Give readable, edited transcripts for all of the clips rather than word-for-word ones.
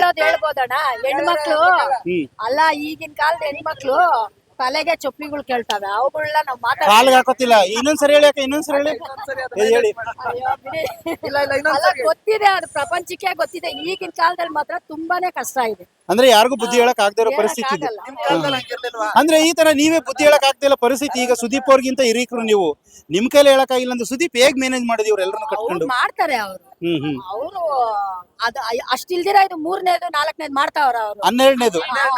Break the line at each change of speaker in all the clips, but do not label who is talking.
ಹೇಳೋದ್ ಹೇಳ್ಬೋದಣ್ಣ. ಹೆಣ್ಮಕ್ಳು ಅಲ್ಲ, ಈಗಿನ ಕಾಲದ ಹೆಣ್ಮಕ್ಳು ತಲೆಗೆ ಚೊಪ್ಪಿಗಳು ಕೇಳ್ತಾವೆ, ಅವುಗಳನ್ನ ನಾವ್
ಕಾಲ್ಗೆ ಹಾಕೋತಿಲ್ಲ. ಇನ್ನೊಂದ್ಸರಿ ಹೇಳಿ ಅಕ್ಕ, ಇನ್ನೊಂದ್ಸರಿ ಹೇಳಿ. ಹೇಳಿ.
ಗೊತ್ತಿದೆ, ಅದು ಪ್ರಪಂಚಕ್ಕೆ ಗೊತ್ತಿದೆ. ಈಗಿನ ಕಾಲದಲ್ಲಿ ಮಾತ್ರ ತುಂಬಾನೇ ಕಷ್ಟ ಇದೆ.
ಅಂದ್ರೆ ಯಾರಿಗೂ ಬುದ್ಧಿ ಹೇಳಕ್ ಆಗದೆ ಇರೋ ಪರಿಸ್ಥಿತಿ ಇದೆ. ಅಂದ್ರೆ ಈ ತರ ನೀವೇ ಬುದ್ಧಿ ಹೇಳಕ್ ಆಗ್ತಾ ಇಲ್ಲ ಪರಿಸ್ಥಿತಿ. ಈಗ ಸುದೀಪ್ ಅವ್ರಿಗಿಂತ ಹಿರೀಕರು ನೀವು, ನಿಮ್ ಕೈಲಿ ಹೇಳಕ್ ಆಗಿಲ್ಲ ಅಂದ್ರೆ ಸುದೀಪ್ ಹೇಗ್ ಮ್ಯಾನೇಜ್ ಮಾಡಿದ್ವಿ ಇವ್ರೆಲ್ಲರನ್ನು ಕಟ್ಕೊಂಡು?
ಮಾಡ್ತಾರೆ ಅವರು. ಅವರು ಅದು ಅಷ್ಟಿಲ್ದಿರ ಇದು 3ನೇದು 4ನೇದು ಮಾಡ್ತಾವ್ರ ಅವರು. 12ನೇದು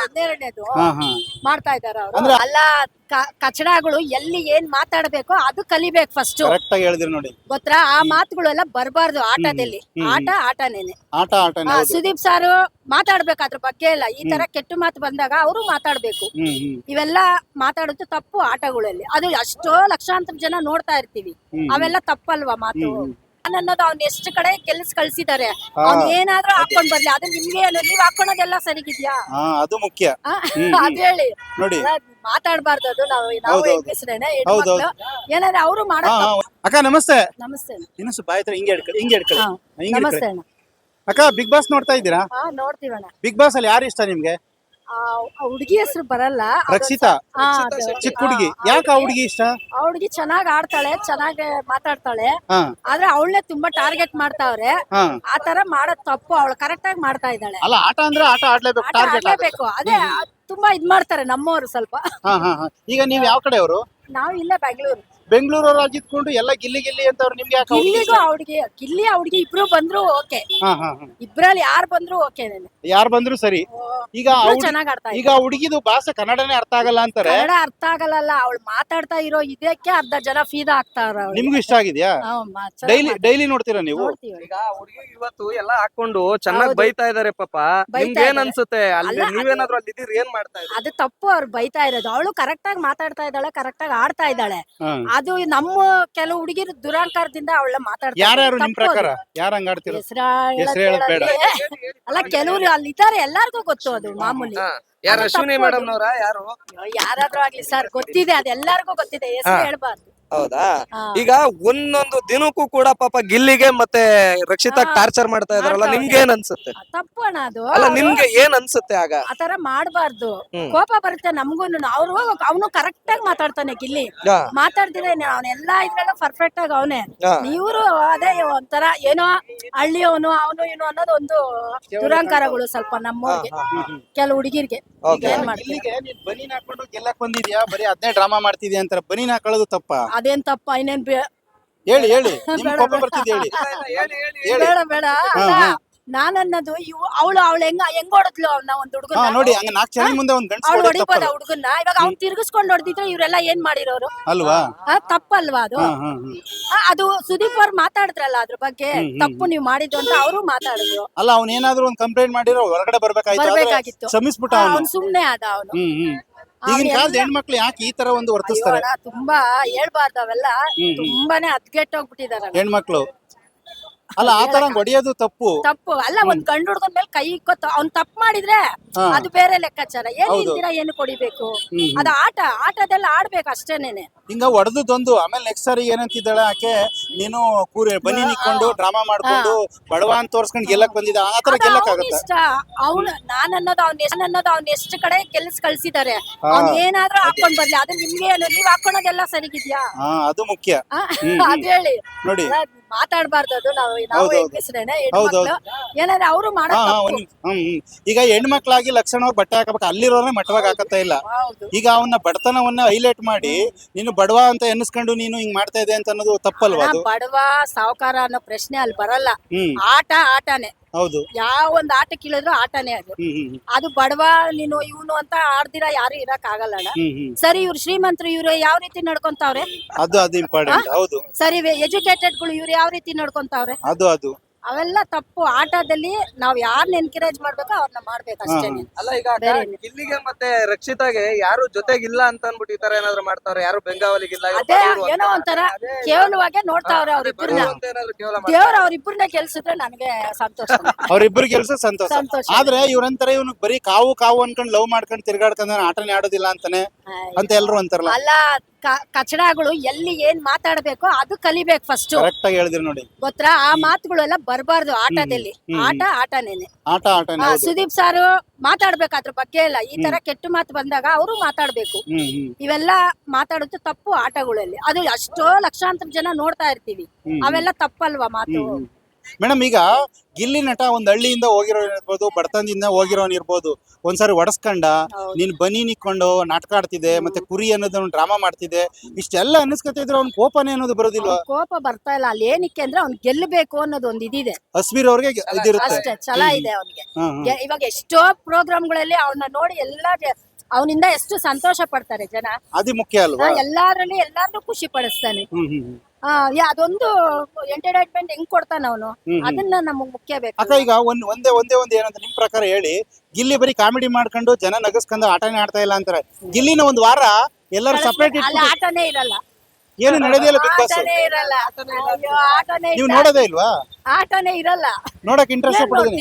ಮಾಡ್ತಾ ಇದಾರೆ ಅವರು. ಅಲ್ಲ, ಕಚಡಗಳು ಎಲ್ಲಿ ಏನ್ ಮಾತಾಡ್ಬೇಕು ಅದು ಕಲಿಬೇಕು ಫಸ್ಟ್.
ಕರೆಕ್ಟ್ ಆಗಿ ಹೇಳಿದ್ರಿ ನೋಡಿ.
ಗೊತ್ತಾ, ಆ ಮಾತುಗಳೆಲ್ಲ ಬರಬಾರ್ದು ಆಟದಲ್ಲಿ. ಆಟನೇನೆ. ಸುದೀಪ್ ಸಾರು ಮಾತಾಡ್ಬೇಕು ಅದ್ರ ಬಗ್ಗೆ ಎಲ್ಲ. ಈ ತರ ಕೆಟ್ಟ ಮಾತು ಬಂದಾಗ ಅವರು ಮಾತಾಡ್ಬೇಕು. ಇವೆಲ್ಲ ಮಾತಾಡೋದು ತಪ್ಪು ಆಟಗಳಲ್ಲಿ. ಅದು ಎಷ್ಟೋ ಲಕ್ಷಾಂತರ ಜನ ನೋಡ್ತಾ ಇರ್ತೀವಿ. ಅವೆಲ್ಲ ತಪ್ಪಲ್ವಾ ಮಾತು ಅನ್ನೋದು. ಅವ್ನ ಎಷ್ಟು ಕಡೆ ಕಳ್ಸಿದಾರೆ. ಅವ್ನ್ ಏನಾದ್ರೂ ಹಾಕೊಂಡ್ ಬರ್ಲಿ, ಅದು ನಿಮ್ಗೆ ನೀವ್ ಹಾಕೊಳೋದೆಲ್ಲ ಸರಿಗಿದ್ಯಾ?
ಅದು ಮುಖ್ಯ.
ಅದ್ ಹೇಳಿ
ನೋಡಿ,
ಮಾತಾಡ್ಬಾರ್ದು. ಅದು ನಾವು ಹೆಂಗಸ್ರೇನೆ ಏನಾದ್ರೆ ಅವರು ಮಾಡೋ.
ಅಕ್ಕ ನಮಸ್ತೆ.
ನಮಸ್ತೆ.
ಇನ್ನೊಂದು ಬಾಯ್ ಹತ್ರ ಹಿಂಗೆ ಹಿಡ್ಕೊಳ್ಳಿ.
ನಮಸ್ತೆ ಅಣ್ಣ.
ಅಕ್ಕ, ಬಿಗ್ ಬಾಸ್ ನೋಡ್ತಾ ಇದ್ದೀರಾ?
ನೋಡ್ತೀವಣ್ಣ.
ಬಿಗ್ ಬಾಸ್ ಅಲ್ಲಿ ಯಾರು ಇಷ್ಟ ನಿಮ್ಗೆ?
ಹುಡುಗಿ ಹೆಸರು ಬರಲ್ಲ.
ರಕ್ಷಿತಾ, ಚಿಕ್ಕ ಹುಡುಗಿ. ಯಾಕೆ ಆ ಹುಡುಗಿ ಇಷ್ಟ?
ಆ ಹುಡುಗಿ ಚೆನ್ನಾಗ್ ಆಡ್ತಾಳೆ, ಚೆನ್ನಾಗಿ ಮಾತಾಡ್ತಾಳೆ. ಆದ್ರೆ ಅವಳನ್ನೇ ತುಂಬಾ ಟಾರ್ಗೆಟ್ ಮಾಡ್ತಾವ್ರೆ. ಆತರ ಮಾಡೋದ್ ತಪ್ಪು. ಅವಳು ಕರೆಕ್ಟ್ ಆಗಿ ಮಾಡ್ತಾ ಇದ್ದಾಳೆ.
ಅಲ್ಲ, ಆಟ ಅಂದ್ರೆ ಆಟ
ಆಡ್ಲೇಬೇಕು. ಅದೇ ತುಂಬಾ ಇದ್ ಮಾಡ್ತಾರೆ ನಮ್ಮವ್ರು ಸ್ವಲ್ಪ.
ಈಗ ನೀವ್ ಯಾವ ಕಡೆಯವರು?
ನಾವು ಇಲ್ಲೇ
ಬೆಂಗಳೂರವ್ರು ಆಗಿದ್ಕೊಂಡು ಎಲ್ಲ ಗಿಲ್ಲಿ ಗಿಲ್ಲಿ ಅಂತವ್ರು. ನಿಮ್ಗೆ ಯಾಕೆ
ಗಿಲ್ಲಿ ಹುಡುಗಿ ಇಬ್ರು ಬಂದ್ರು ಓಕೆ. ಇಬ್ರಲ್ಲಿ ಯಾರು ಬಂದ್ರು ಓಕೆ.
ಯಾರು ಬಂದ್ರು ಸರಿ. ಈಗ
ಚೆನ್ನಾಗ್ ಆಡ್ತಾ
ಈಗ ಹುಡುಗಿದು ಭಾಷೆ ಕನ್ನಡನೇ ಅರ್ಥ ಆಗಲ್ಲ ಅಂತಾರೆ.
ಕನ್ನಡ ಅರ್ಥ ಆಗಲ್ಲ. ಅವಳು ಮಾತಾಡ್ತಾ ಇರೋ ಇದಕ್ಕೆ ಅರ್ಧ ಜನ ಫೀದಾ ಆಗ್ತಾರ.
ನಿಮ್ಗೂ ಇಷ್ಟ ಆಗಿದ್ಯಾ? ಡೈಲಿ ನೋಡ್ತೀರಾ ನೀವು?
ಈಗ ಹುಡುಗಿ ಇವತ್ತು ಎಲ್ಲ ಹಾಕೊಂಡು ಚೆನ್ನಾಗಿ ಬೈತಾ ಇದಾರೆ ಪಾಪ. ನಿಮ್ಗೆ ಏನ್ ಅನ್ಸುತ್ತೆ? ನೀವೇನಾದ್ರೂ ಅಲ್ಲಿ ಇದೀರಿ, ಏನ್ ಮಾಡ್ತಾ ಇದ್ದೀರಿ?
ಅದು ತಪ್ಪು. ಅವ್ರು ಬೈತಾ ಇರೋದು. ಅವಳು ಕರೆಕ್ಟ್ ಆಗಿ ಮಾತಾಡ್ತಾ ಇದ್ದಾಳೆ, ಕರೆಕ್ಟ್ ಆಗಿ ಆಡ್ತಾ ಇದ್ದಾಳೆ. ಅದು ನಮ್ಮ ಕೆಲವು ಹುಡುಗಿರು ದುರಾಂಕಾರದಿಂದ ಅವಳ ಮಾತಾಡ್ತಾರೆ.
ಯಾರ್ಯಾರು ನಿಮ್ ಪ್ರಕಾರ ಯಾರು ಹಂಗಾಡ್ತಿರೋ?
ಅಲ್ಲ, ಕೆಲವ್ರು ಅಲ್ಲಿ ಇದ್ದಾರೆ, ಎಲ್ಲಾರ್ಗು ಗೊತ್ತು. ಅದು ಮಾಮೂಲಿ.
ಯಾರು ಅಶ್ವಿನಿ ಮೇಡಮ್ ನವರ?
ಯಾರಾದ್ರೂ ಆಗ್ಲಿ ಸರ್, ಗೊತ್ತಿದೆ. ಅದು ಎಲ್ಲಾರ್ಗು ಗೊತ್ತಿದೆ. ಹೆಸರು ಹೇಳ್ಬಾರ್ದು.
ಹೌದಾ? ಈಗ ಒಂದೊಂದು ದಿನಕ್ಕೂ ಕೂಡ ಪಾಪ ಗಿಲ್ಲಿಗೆ ಮತ್ತೆ ರಕ್ಷಿತಾ ಟಾರ್ಚರ್ ಮಾಡ್ತಾ ಇದಾರಲ್ಲ, ನಿಮ್ಗೆ ಏನ್ ಅನ್ಸುತ್ತೆ?
ತಪ್ಪು ಅಣ್ಣ ಅದು.
ಅಲ್ಲ, ನಿಮ್ಗೆ ಏನ್ ಅನ್ಸುತ್ತೆ? ಆಗ ಆತರ
ಮಾಡ್ಬಾರ್ದು. ಕೋಪ ಬರುತ್ತೆ ನಮ್ಗೂನು. ಅವನು ಕರೆಕ್ಟ್ ಆಗಿ ಮಾತಾಡ್ತಾನೆ ಗಿಲ್ಲಿ. ಮಾತಾಡ್ತಿದ್ರೆ ಅವನೆಲ್ಲಾ ಇದ್ರಲ್ಲ ಪರ್ಫೆಕ್ಟ್ ಆಗಿ ಅವನೇ. ಇವ್ರು ಅದೇ ಒಂಥರ ಏನೋ ಹಳ್ಳಿಯವನು ಅವನು ಇವನು ಅನ್ನೋದು ಒಂದು ದುರಾಂಕಾರಗಳು ಸ್ವಲ್ಪ ನಮ್ಮವ್ರಿಗೆ, ಕೆಲವು ಹುಡುಗಿರ್ಗೆ.
ಬನೀನ್ ಹಾಕೊಂಡು ಗೆಲ್ಲಕ್ ಬಂದಿದ್ಯಾ, ಬರೀ ಅದ್ನೇ ಡ್ರಾಮಾ ಮಾಡ್ತಿದ್ಯಾ ಅಂತಾರೆ. ಬನೀನ್ ಹಾಕೊಳ್ಳೋದು ತಪ್ಪ?
ಅದೇನ್ ತಪ್ಪ? ಇನ್ನೇನ್
ಹೇಳಿ ಹೇಳಿ.
ಬೇಡ. ನಾನನ್ನೋದು ಅವಳು ಹೆಂಗ್ ಹೊಡದ್ಲು ಅವನ್ನ ಒಂದು ಹುಡುಗನ
ನೋಡಿ. ಹಂಗ 4 ಜನ ಮುಂದೆ ಒಂದು ಗಂಟೆ
ಅವಳು ಹೊಡಿಬೋದ ಹುಡುಗನ್ನ? ಇವಾಗ ಅವ್ನ್ ತಿರ್ಗಿಸ್ಕೊಂಡು ಹೊಡೆದಿದ್ರೆ ಇವರೆಲ್ಲ ಏನ್ ಮಾಡಿರೋರು
ಅಲ್ವಾ?
ತಪ್ಪಲ್ವಾ ಅದು? ಅದು ಸುದೀಪ್ ಅವ್ರು ಮಾತಾಡಿದ್ರಲ್ಲ ಅದ್ರ ಬಗ್ಗೆ. ತಪ್ಪು ನೀವು ಮಾಡಿದ್ದು ಅಂತ ಅವರು ಮಾತಾಡಿದ್ರು.
ಅಲ್ಲ, ಅವ್ನೇನಾದ್ರೂ ಒಂದು ಕಂಪ್ಲೇಂಟ್ ಮಾಡಿರೋ ಹೊರಗಡೆ ಬರ್ಬೇಕಾಗಿತ್ತು. ಶ್ರಮಿಸ್ಬಿಟ್ಟ ಅವನು.
ಸುಮ್ನೆ ಅದ ಅವನು.
ಈಗಿನ ಕಾಲದ ಹೆಣ್ಮಕ್ಳು ಯಾಕೆ ಈ ತರ ಒಂದು ವರ್ತಿಸ್ತಾರೆ?
ತುಂಬಾ ಹೇಳ್ಬಾರ್ದು ಅವೆಲ್ಲ. ತುಂಬಾನೇ ಹದ್ಗೆಟ್ಟೋಗ್ಬಿಟ್ಟಿದಾರೆ
ಹೆಣ್ಮಕ್ಳು. ಅಲ್ಲ, ಆ ತರ ಹೊಡಿಯೋದು ತಪ್ಪು.
ಅಲ್ಲ, ಒಂದ್ ಗಂಡು ಹುಡ್ಗನ್ ಮೇಲೆ ಕೈ ಇಕ್ಕೊತ್ತು. ಅವ್ನ್ ತಪ್ಪು ಮಾಡಿದ್ರೆ ಅದು ಬೇರೆ ಲೆಕ್ಕಾಚಾರ. ಏನ್ ನಿಂತೀರಾ, ಏನು ಕೊಡಿಬೇಕು? ಅದು ಆಟದೆಲ್ಲ ಆಡ್ಬೇಕು ಅಷ್ಟೇನೇನೆ.
ಹಿಂಗ ಹೊಡೆದೊಂದು ಆಮೇಲೆ ನೆಕ್ಸ್ಟ್ ಸಾರಿ ಏನಂತಿದ್ದಾಳೆ ಆಕೆ, ನೀನು ಬನ್ನಿ ನಿಕ್ಕೊಂಡು ಡ್ರಾಮಾ ಮಾಡ್ಕೊಂಡು ಬಡವ ಅಂತ ತೋರ್ಸ್ಕೊಂಡು ಗೆಲ್ಲಕ್ ಬಂದಿದ್ದ. ಆ ತರ ಗೆಲ್ಲಕ್ ಆಗುತ್ತೆ?
ಇಷ್ಟ ಅವ್ನು ನಾನನ್ನೋದು ಅವ್ನ ಎಷ್ಟು ಕಡೆ ಕಳ್ಸಿದಾರೆ. ಅವ್ನ್ ಏನಾದ್ರೂ ಹಾಕೊಂಡ್ ಬರ್ಲಿ, ಅದು ನಿಮ್ಗೆ ನೀವ್ ಹಾಕೊಳೋದೆಲ್ಲ ಸರಿಗಿದ್ಯಾ?
ಅದು ಮುಖ್ಯ.
ಅದ್ ಹೇಳಿ
ನೋಡಿ,
ಮಾತಾಡ್ಬಾರ್ದು. ಅದು ನಾವು ಏನಾದ್ರೆ ಅವರು ಮಾಡೋ.
ಈಗ ಹೆಣ್ಮಕ್ಳಾಗಿ ಲಕ್ಷಣವಾಗಿ ಬಟ್ಟೆ ಹಾಕಬೇಕು, ಅಲ್ಲಿರೋನೇ ಮಟ್ಟವಾಗಿ ಹಾಕತ್ತಾ ಇಲ್ಲ. ಈಗ ಅವನ ಬಡತನವನ್ನ ಹೈಲೈಟ್ ಮಾಡಿ ನೀನು ಬಡವ ಅಂತ ಎನ್ನಿಸ್ಕೊಂಡು ನೀನು ಹಿಂಗ್ ಮಾಡ್ತಾ ಇದೆ ಅಂತ ಅನ್ನೋದು ತಪ್ಪಲ್ವಾ?
ಬಡವ ಸಾವುಕಾರ ಅನ್ನೋ ಪ್ರಶ್ನೆ ಅಲ್ಲಿ ಬರಲ್ಲ. ಆಟನೇ.
ಹೌದು.
ಯಾವ ಒಂದ್ ಆಟ ಕೇಳಿದ್ರು ಆಟನೇ ಅದು. ಅದು ಬಡವ ನೀನು ಇವನು ಅಂತ ಆಡ್ದಿರಾ ಯಾರು ಇರಕ್ ಆಗಲ್ಲ. ಸರಿ, ಇವ್ರು ಶ್ರೀಮಂತರು, ಇವ್ರು ಯಾವ ರೀತಿ ನಡ್ಕೊಂತಾವ್ರೆ?
ಅದು ಇಂಪಾರ್ಟೆಂಟ್. ಹೌದು.
ಸರಿ, ಎಜುಕೇಟೆಡ್ ಗಳು ಇವ್ರು ಯಾವ ರೀತಿ ನಡ್ಕೊಂತಾವ್ರೆ?
ಅದು
ಅವೆಲ್ಲ ತಪ್ಪು. ಆಟದಲ್ಲಿ ನಾವ್ ಯಾರನ್ನ ಎನ್ಕರೇಜ್ ಮಾಡ್ಬೇಕು ಅವ್ರನ್ನ ಮಾಡ್ಬೇಕು ಅಷ್ಟೇ.
ಅಲ್ಲ, ಈಗ ಗಿಲ್ಲಿಗೆ ಮತ್ತೆ ರಕ್ಷಿತಾಗೆ ಯಾರು ಜೊತೆಗಿಲ್ಲ ಅಂತ ಅನ್ಬಿಟ್ಟು ಈ ತರ ಏನಾದ್ರು ಮಾಡ್ತಾವ್ರೆ? ಯಾರು ಬೆಂಗಾವಲಿಗಿಲ್ಲ?
ಅದೇ ಏನೋ ಒಂಥರ ಕೇವಲವಾಗೆ ನೋಡ್ತಾವ್ರೆ ಅವ್ರಿಬ್ರನ್ನ. ದೇವ್ರ ಅವ್ರಿಬ್ರನ್ನ ಗೆಲ್ಸಿದ್ರೆ ನನಗೆ ಸಂತೋಷ.
ಅವ್ರಿಬ್ರು ಗೆಲ್ಸ ಸಂತೋಷ. ಆದ್ರೆ ಇವ್ರಂತಾರೆ ಇವನು ಬರೀ ಕಾವು ಅನ್ಕೊಂಡ್ ಲವ್ ಮಾಡ್ಕೊಂಡ್ ತಿರ್ಗಾಡ್ಕೊಂಡ್ ಆಟನೇ ಆಡೋದಿಲ್ಲ ಅಂತಾನೆ ಅಂತ ಎಲ್ರು ಅಂತಾರಲ್ಲ.
ಅಲ್ಲ, ಕಚಡಗಳು ಎಲ್ಲಿ ಏನ್ ಮಾತಾಡ್ಬೇಕೋ ಅದು ಕಲಿಬೇಕು ಫಸ್ಟ್.
ಕರೆಕ್ಟ್ ಆಗಿ ಹೇಳಿದ್ರಿ ನೋಡಿ.
ಗೊತ್ತಾ ಆ ಮಾತುಗಳೆಲ್ಲ ಬರಬಾರ್ದು ಆಟದಲ್ಲಿ. ಆಟನೇನೆ.
ಆಟನೇ.
ಸುದೀಪ್ ಸಾರು ಮಾತಾಡ್ಬೇಕು ಅದ್ರ ಬಗ್ಗೆ ಎಲ್ಲ. ಈ ತರ ಕೆಟ್ಟ ಮಾತು ಬಂದಾಗ ಅವರು ಮಾತಾಡ್ಬೇಕು. ಇವೆಲ್ಲ ಮಾತಾಡೋದು ತಪ್ಪು ಆಟಗಳಲ್ಲಿ. ಅದು ಎಷ್ಟೋ ಲಕ್ಷಾಂತರ ಜನ ನೋಡ್ತಾ ಇರ್ತೀವಿ. ಅವೆಲ್ಲ ತಪ್ಪಲ್ವಾ ಮಾತು?
ಮೇಡಮ್, ಈಗ ಗಿಲ್ಲಿ ನಟ ಒಂದ್ ಹಳ್ಳಿಯಿಂದ ಹೋಗಿರೋನ್ ಇರ್ಬೋದು, ಬಡತನದಿಂದ ಹೋಗಿರೋನ್ ಇರ್ಬೋದು, ಒಂದ್ಸಾರಿ ಒಡಸ್ಕೊಂಡ ನೀನ್ ಬನಿ ನಿಕ್ಕೊಂಡು ನಾಟಕ ಆಡ್ತಿದೆ, ಮತ್ತೆ ಕುರಿ ಅನ್ನೋದು ಡ್ರಾಮಾ ಮಾಡ್ತಿದೆ, ಇಷ್ಟೆಲ್ಲ ಅನ್ನಿಸ್ಕೊತಿದ್ರೆ ಅವ್ನ್ ಕೋಪನೇ ಅನ್ನೋದು ಬರೋದಿಲ್ವಾ?
ಕೋಪ ಬರ್ತಾ ಇಲ್ಲ. ಅಲ್ಲಿ ಏನಕ್ಕೆ ಅಂದ್ರೆ ಅವ್ನ್ ಗೆಲ್ಲಬೇಕು ಅನ್ನೋದು ಒಂದ್ ಇದಿದೆ.
ಅಸ್ವೀರ್ ಅವ್ರಿಗೆ ಇದಿರುತ್ತೆ
ಅಷ್ಟೇ ಛಲ ಇದೆ ಅವನಿಗೆ. ಇವಾಗ ಎಷ್ಟೋ ಪ್ರೋಗ್ರಾಮ್ಗಳಲ್ಲಿ ಅವನ್ನ ನೋಡಿ ಎಲ್ಲ ಅವನಿಂದ ಎಷ್ಟು ಸಂತೋಷ ಪಡ್ತಾರೆ ಜನ.
ಅದು ಮುಖ್ಯ ಅಲ್ವಾ?
ಎಲ್ಲಾದ್ರಲ್ಲಿ ಎಲ್ಲಾರ್ನು ಖುಷಿ ಪಡಿಸ್ತಾನೆ. ಅದೊಂದು ಎಂಟರ್ಟೈನ್ಮೆಂಟ್ ಹೆಂಗ್ ಕೊಡ್ತಾನ ಅವನು, ಅದನ್ನ ನಮಗ್ ಮುಖ್ಯ ಬೇಕು.
ಅಕ್ಕ, ಈಗ ಒಂದೇ ಏನಂತ ನಿಮ್ ಪ್ರಕಾರ ಹೇಳಿ, ಗಿಲ್ಲಿ ಬರೀ ಕಾಮಿಡಿ ಮಾಡ್ಕೊಂಡು ಜನ ನಗಸ್ಕೊಂಡು ಆಟನೇ ಆಡ್ತಾ ಇಲ್ಲ ಅಂತಾರೆ. ಗಿಲ್ಲಿನ ಒಂದ್ ವಾರ ಎಲ್ಲರೂ ಸಪರೇಟ್
ಅಲ್ಲಿ ಆಟನೇ ಇರಲ್ಲ.
ಏನು ನಡೆದಿಲ್ಲ ಬಿಗ್ ಬಾಸ್.
ಆಟನೇ ಇರಲ್ಲ. ಅಯ್ಯೋ, ಆಟನೇ
ನೀವು ನೋಡೋದೇ ಇಲ್ವಾ?
ಆಟನೇ ಇರಲ್ಲ.
ನೋಡಕ್ ಇಂಟ್ರೆಸ್ಟ್ ಪಡೋದಿಲ್ಲ.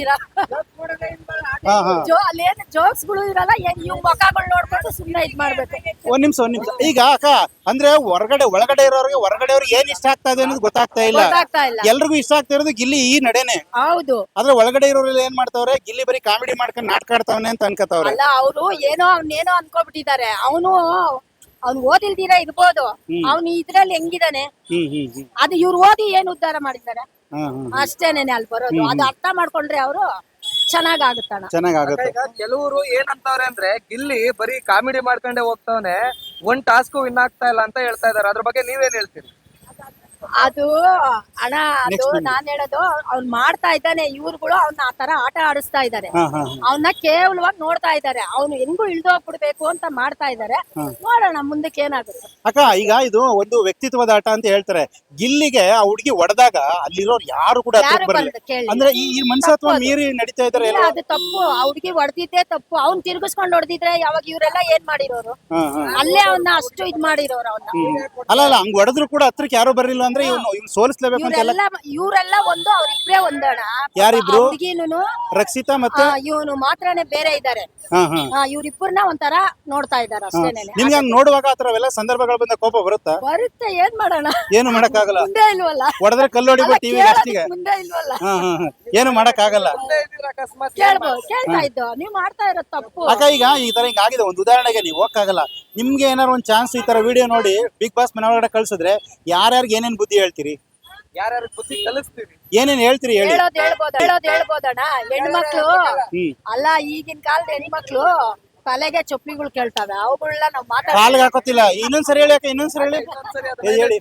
ಅಲ್ಲೇನು ಜೋಕ್ಸ್ ಗಳು ಇರಲ್ಲ. ಇವ್ ಮುಖಗಳು ನೋಡ್ಕೊಂಡು ಸುಮ್ನೆ ಇದ್ ಮಾಡ್ಬೇಕು.
ಒಂದ್ ನಿಮಿಷ. ಈಗ ಅಕ್ಕ, ಅಂದ್ರೆ ಒಳಗಡೆ ಇರೋರಿಗೆ ಹೊರಗಡೆಯವ್ರಿಗೆ ಏನ್ ಇಷ್ಟ ಆಗ್ತಾ ಇದೆ ಅನ್ನೋದು ಗೊತ್ತಾಗ್ತಾ ಇಲ್ಲ. ಎಲ್ರಿಗೂ ಇಷ್ಟ ಆಗ್ತಾ ಇರೋದು ಗಿಲ್ಲಿ ಈ ನಡೆನೆ.
ಹೌದು.
ಆದ್ರೆ ಒಳಗಡೆ ಇರೋರೆಲ್ಲ ಏನ್ ಮಾಡ್ತಾವ್ರೆ, ಗಿಲ್ಲಿ ಬರೀ ಕಾಮಿಡಿ ಮಾಡ್ಕೊಂಡು ನಾಟಕ ಆಡ್ತಾವನೆ ಅಂತ ಅನ್ಕೋತಾವ್ರೆ.
ಅಲ್ಲ, ಅವ್ರು ಅವನೇನೋ ಅನ್ಕೋಬಿಟ್ಟಿದ್ದಾರೆ. ಅವ್ನು ಓದಿಲ್ದಿರ ಇರ್ಬೋದು. ಅವ್ನು ಇದ್ರಲ್ಲಿ ಹೆಂಗಿದಾನೆ ಅದು ಇವ್ರು ಓದಿ ಏನ್ ಉದ್ಧಾರ ಮಾಡಿದ್ದಾರೆ ಅಷ್ಟೇನೇನೆ ಅಲ್ಲಿ ಬರೋದು. ಅದು ಅರ್ಥ ಮಾಡ್ಕೊಂಡ್ರೆ ಅವರು ಚೆನ್ನಾಗಾಗುತ್ತೆ.
ಕೆಲವರು ಏನಂತವ್ರೆ ಅಂದ್ರೆ, ಗಿಲ್ಲಿ ಬರೀ ಕಾಮಿಡಿ ಮಾಡ್ಕೊಂಡೆ ಹೋಗ್ತಾವನೆ, ಒಂದ್ ಟಾಸ್ಕ್ ವಿನ್ ಆಗ್ತಾ ಇಲ್ಲ ಅಂತ ಹೇಳ್ತಾ ಇದಾರೆ. ಅದ್ರ ಬಗ್ಗೆ ನೀವೇನ್ ಹೇಳ್ತೀರಿ?
ಅದು ಅಣ್ಣ, ಅದು ನಾನ್ ಹೇಳೋದು, ಅವ್ನ್ ಮಾಡ್ತಾ ಇದ್ದಾನೆ. ಇವ್ರುಗಳು ಅವ್ನ ಆ ತರ ಆಟ ಆಡಿಸ್ತಾ ಇದಾರೆ. ಅವನ್ನ ಕೇವಲವಾಗಿ ನೋಡ್ತಾ ಇದಾರೆ. ಅವ್ನು ಹೆಂಗು ಇಳ್ದೋಗ್ಬಿಡ್ಬೇಕು ಅಂತ ಮಾಡ್ತಾ ಇದಾರೆ. ನೋಡೋಣ ಮುಂದಕ್ಕೆ ಏನಾಗುತ್ತೆ.
ಅಕ್ಕ, ಈಗ ಇದು ಒಂದು ವ್ಯಕ್ತಿತ್ವದ ಆಟ ಅಂತ ಹೇಳ್ತಾರೆ. ಗಿಲ್ಲಿಗೆ ಆ ಹುಡುಗಿ ಹೊಡೆದಾಗ ಅಲ್ಲಿರೋರು ಯಾರು ಕೂಡ ಅಂದ್ರೆ ಈ ಮನಸತ್ವ ಮೀರಿ ನಡೀತಾ ಇದಾರೆ.
ಅದು ತಪ್ಪು. ಆ ಹುಡುಗಿ ಹೊಡೆದಿದ್ದೆ ತಪ್ಪು. ಅವ್ನ್ ತಿರ್ಗಿಸ್ಕೊಂಡ್ ಹೊಡೆದಿದ್ರೆ ಯಾವಾಗ ಇವರೆಲ್ಲ ಏನ್ ಮಾಡಿರೋರು? ಅಲ್ಲೇ ಅವನ್ನ ಅಷ್ಟು ಇದ್ ಮಾಡಿರೋರು ಅವನ್ನ.
ಅಲ್ಲ, ಹಂಗ್ ಹೊಡೆದ್ರು ಕೂಡ ಹತ್ರಕ್ಕೆ ಯಾರು ಬರಲಿಲ್ಲ ಅಂದ್ರೆ ಇವ್ನು ಸೋಲಿಸ್ಲೇಬೇಕು ಅಂತ.
ಇವರೆಲ್ಲ ಒಂದು, ಅವ್ರಿಬ್ರೇ ಒಂದಣ.
ಯಾರಿಬ್ರು?
ಹುಡುಗಿನೂ
ರಕ್ಷಿತಾ ಮತ್ತೆ
ಇವನು ಮಾತ್ರನೇ ಬೇರೆ ಇದಾರೆ. ಇವ್ರಿಬ್ಬರನ್ನ ಒಂಥರ ನೋಡ್ತಾ ಇದಾರೆ ಅಷ್ಟೇನೆ.
ನಿಮ್ಗೆ ಹಂಗ್ ನೋಡುವಾಗ ಆತರವೆಲ್ಲ ಸಂದರ್ಭಗಳು ಬಂದ ಕೋಪ ಬರುತ್ತಾ?
ಬರುತ್ತೆ. ಏನ್ ಮಾಡೋಣ?
ಏನು ಮಾಡಕ್ ಆಗಲ್ಲ.
ಮುಂದೆ ಇಲ್ವಲ್ಲ.
ಹೊಡೆದ್ರೆ ಕಲ್ಲು ಹೊಡಿಬೋದು ಟಿವಿ ಲಾಸ್ಟಿಗೆ.
ಮುಂದೆ ಇಲ್ವಲ್ಲ.
ಏನು ಮಾಡಕ್ ಆಗಲ್ಲ.
ಕೇಳ್ತಾ ಇದ್ದು ನೀವ್ ಮಾಡ್ತಾ ಇರೋದು ತಪ್ಪು.
ಅಕ್ಕ, ಈಗ ಈ ತರ ಹಿಂಗ್ ಆಗಿದೆ. ಒಂದು ಉದಾಹರಣೆಗೆ ನೀವು ಹೋಗಕ್ಕಾಗಲ್ಲ. ನಿಮ್ಗೆ ಏನಾರು ಒಂದ್ ಚಾನ್ಸ್ ಈ ತರ ವಿಡಿಯೋ ನೋಡಿ ಬಿಗ್ ಬಾಸ್ ಮನೆ ಒಳಗಡೆ ಕಳ್ಸಿದ್ರೆ ಯಾರ್ಯಾರಿಗೆ ಏನೇನ್ ಬುದ್ಧಿ ಹೇಳ್ತೀರಿ?
ಯಾರ್ಯಾರು ಬುದ್ಧಿ ಕಲಿಸ್ತೀವಿ?
ಏನೇನ್ ಹೇಳ್ತೀರಿ ಹೇಳಿ?
ಹೇಳ್ಬೋದಣ್ಣ. ಹೆಣ್ಮಕ್ಳು ಅಲ್ಲ, ಈಗಿನ ಕಾಲದ ಹೆಣ್ಮಕ್ಳು ತಲೆಗೆ ಚೊಪ್ಲಿಗಳು ಕೇಳ್ತಾವೆ. ಅವುಗಳನ್ನ ನಾವ್
ಕಾಲ್ಗೆ ಹಾಕೋತಿಲ್ಲ. ಇನ್ನೊಂದ್ಸರಿ ಹೇಳಿ ಅಕ್ಕ, ಇನ್ನೊಂದ್ಸರಿ ಹೇಳಿ. ಹೇಳಿ.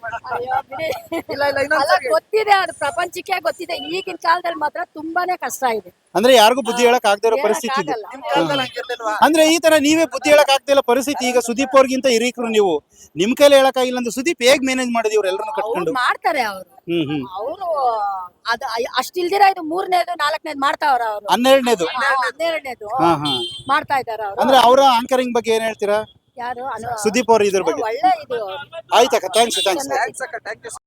ಗೊತ್ತಿದೆ, ಅದು ಪ್ರಪಂಚಕ್ಕೆ ಗೊತ್ತಿದೆ. ಈಗಿನ ಕಾಲದಲ್ಲಿ ಮಾತ್ರ ತುಂಬಾನೇ ಕಷ್ಟ ಇದೆ.
ಅಂದ್ರೆ ಯಾರಿಗೂ ಬುದ್ಧಿ ಹೇಳಕ್ ಆಗದೆ ಇರೋ ಪರಿಸ್ಥಿತಿ ಇದೆ. ಅಂದ್ರೆ ಈ ತರ ನೀವೇ ಬುದ್ಧಿ ಹೇಳಕ್ ಆಗ್ತಾ ಇಲ್ಲ ಪರಿಸ್ಥಿತಿ. ಈಗ ಸುದೀಪ್ ಅವ್ರಿಗಿಂತ ಹಿರೀಕರು ನೀವು, ನಿಮ್ ಕೈಲಿ ಹೇಳಕ್ ಆಗಿಲ್ಲ ಅಂದ್ರೆ ಸುದೀಪ್ ಹೇಗ್ ಮ್ಯಾನೇಜ್ ಮಾಡಿದ್ವಿ ಇವ್ರೆಲ್ಲರನ್ನು ಕಟ್ಕೊಂಡು?
ಮಾಡ್ತಾರೆ ಅವರು. ಅವರು ಅದು ಅಷ್ಟಿಲ್ದಿರ ಇದು 3ನೇದು 4ನೇದು ಮಾಡ್ತಾವ್ರ ಅವರು.
12ನೇದು
ಮಾಡ್ತಾ ಇದಾರೆ ಅವರು.
ಅಂದ್ರೆ ಅವರ ಆಂಕರಿಂಗ್ ಬಗ್ಗೆ ಏನ್ ಹೇಳ್ತೀರಾ?
ಯಾರು?
ಸುದೀಪ್ ಅವ್ರ ಇದ್ರ ಬಗ್ಗೆ.
ಒಳ್ಳೆ ಇದು.
ಆಯ್ತಕ್ಕ, ಥ್ಯಾಂಕ್ಸ್.